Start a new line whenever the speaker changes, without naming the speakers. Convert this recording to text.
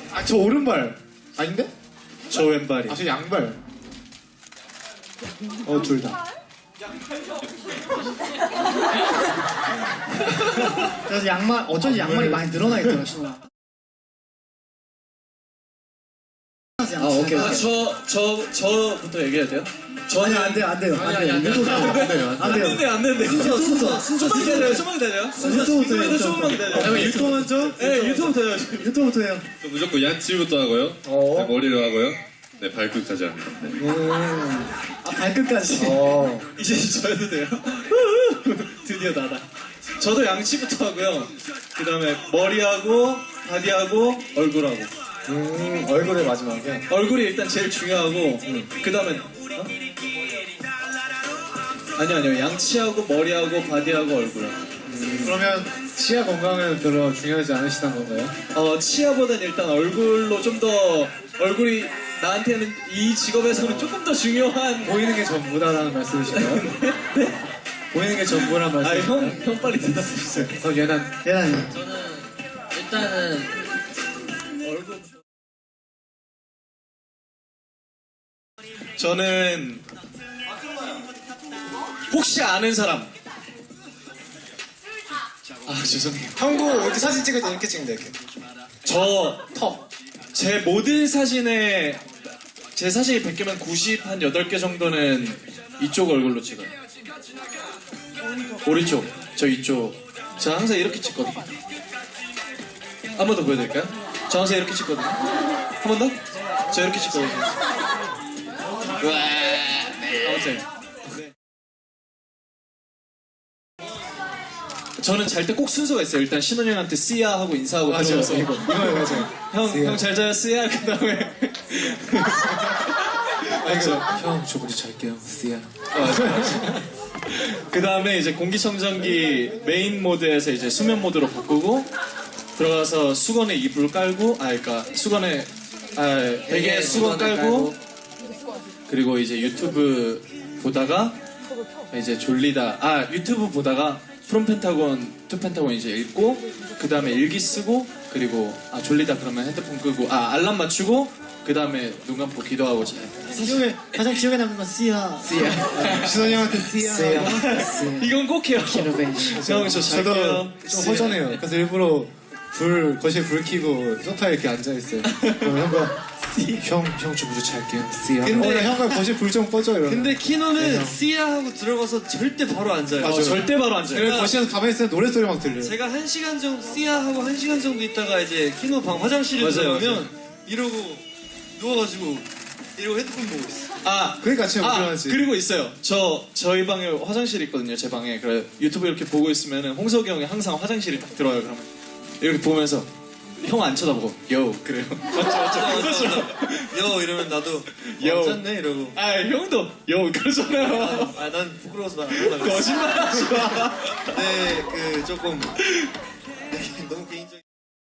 아, 저 오른발. 아닌데?
저 왼발이.
아, 저 양발. 둘 다.
그래서 양말 어쩐지 양말이 많이 늘어나 있더라 신호가.
오케이.
저부터 얘기해야 돼요?
아니 안 돼요.
안
안 되는데. 순서 조금만 기다려요. 조금만 기다려요.
유튜브 먼저?
네, 유튜브부터요.
유튜브부터 해요.
저 무조건 양치부터 하고요. 네, 머리를 하고요. 네, 발끝까지 합니다.
아 발끝까지.
이제 저 해도 돼요? 드디어 나다. 저도 양치부터 하고요. 그 다음에 머리하고, 바디하고, 얼굴하고.
얼굴에 마지막에.
얼굴이 일단 제일 중요하고, 그 다음에, 아니요. 양치하고, 머리하고, 바디하고, 얼굴하고.
그러면 치아 건강은 별로 중요하지 않으시다는 건가요?
치아보단 일단 얼굴로 좀 더, 얼굴이 나한테는 이 직업에서는 조금 더 중요한.
보이는 게 전부다라는 말씀이신가요? 보이는 게 전부란 말씀이신가요?
형 빨리 대답해주세요.
그럼 얘는
얘는
저는 일단은
얼굴. 저는 혹시 아는 사람. 아 죄송해요.
형구 이렇게 사진 찍을 때 이렇게 찍는다 이렇게.
저 턱. 제 모든 사진에 제 사진이 100개면 90한 8개 정도는 이쪽 얼굴로 찍어요. 오른쪽. 저 이쪽. 제가 항상 이렇게 찍거든요. 한 번 더 보여드릴까요? 저 항상 이렇게 찍거든요. 한 번 더? 저 이렇게 찍거든요. 아무튼. 네. 저는 잘 때 꼭 순서가 있어요. 일단 신원 형한테 씨야 하고 인사하고 들어가서
이거 맞아요.
형 잘 자요 씨야. 그 다음에
형 저 먼저 잘게요. 씨야.
그 다음에 이제 공기청정기 메인 모드에서 이제 수면 모드로 바꾸고 들어가서 수건에 이불 깔고 그러니까 수건에 베개에 수건 깔고 그리고 이제 유튜브 보다가 이제 졸리다 유튜브 보다가 프롬 펜타곤 투 펜타곤 이제 읽고 그 다음에 일기 쓰고 그리고 졸리다 그러면 핸드폰 끄고 알람 맞추고 그 다음에 눈 감고 기도하고 자요.
가장 기억에 남는 건 씨야.
신원이 형한테 씨야.
이건 꼭 해요. 형 저
저도
잘게요.
좀 허전해요. 그래서 일부러 거실 불 켜고 소파에 이렇게 앉아있어요. 그럼 형과 형 저 먼저 잘게요. 씨야. 근데 형과 거실 불 좀 꺼줘 이러면.
근데 키노는 씨야 하고 들어가서 절대 바로 앉아요.
맞아요.
절대 바로 앉아요.
그래서 거실에서 가만히 있으면 노래소리 막 들려요.
제가 1시간 정도 씨야 하고 1시간 정도 있다가 이제 키노 방 화장실에
맞아요,
들어가면 이러고 누워가지고 이러고 핸드폰 보고 있어.
그러니까 진짜 불편하지.
그리고 있어요. 저희 방에 화장실 있거든요. 제 방에. 그래 유튜브 이렇게 보고 있으면은 홍석이 형이 항상 화장실에 딱 들어와요. 그러면 이렇게 보면서 형 안 쳐다보고 요 그래요. 맞죠.
여 이러면 나도
여.
괜찮네 이러고.
형도 요 그러잖아요.
난 부끄러워서 말 안 하려고.
거짓말하지 마.
네, 그 조금